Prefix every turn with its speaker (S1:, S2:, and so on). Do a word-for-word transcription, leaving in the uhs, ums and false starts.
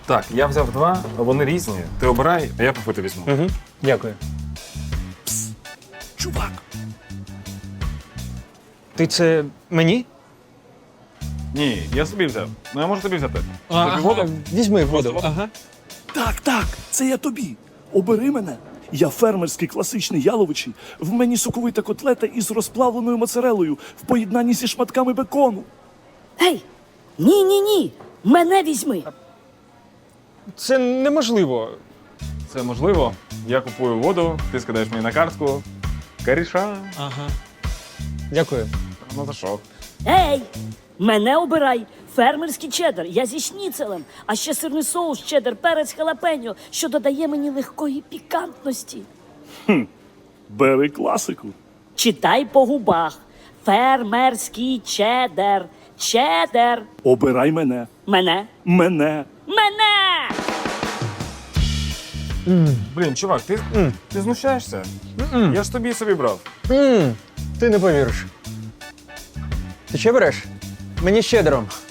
S1: Так, я взяв два, вони різні. Ти обирай, а я попити візьму.
S2: Угу. Дякую.
S3: Чувак,
S2: Ти це мені?
S1: Ні, я собі взяв. Ну я можу тобі взяти.
S2: А,
S1: Тобі воду?
S2: Візьми воду.
S1: воду?
S2: Ага.
S3: так, так, це я тобі. Обери мене. Я фермерський класичний яловичий. В мені соковита котлета із розплавленою моцарелою в поєднанні зі шматками бекону.
S4: Гей! Ні, ні, ні. Мене візьми.
S2: Це неможливо.
S1: Це можливо. Я купую воду, ти скидаєш мені на картку. Каріша.
S2: Ага. Дякую.
S1: Ну за що?
S4: Ей! Мене обирай. Фермерський чеддер. Я зі шніцелем. А ще сирний соус, чеддер, перець, халапеньо, що додає мені легкої пікантності.
S3: Бери класику.
S4: Читай по губах. Фермерський чеддер. Чеддер.
S3: Обирай мене.
S4: Мене.
S3: Мене.
S4: Мене!
S1: Блін, чувак, ти, ти знущаєшся? Я ж тобі собі брав.
S2: М, Ти не повіриш. Ти ще береш? Мені щедром.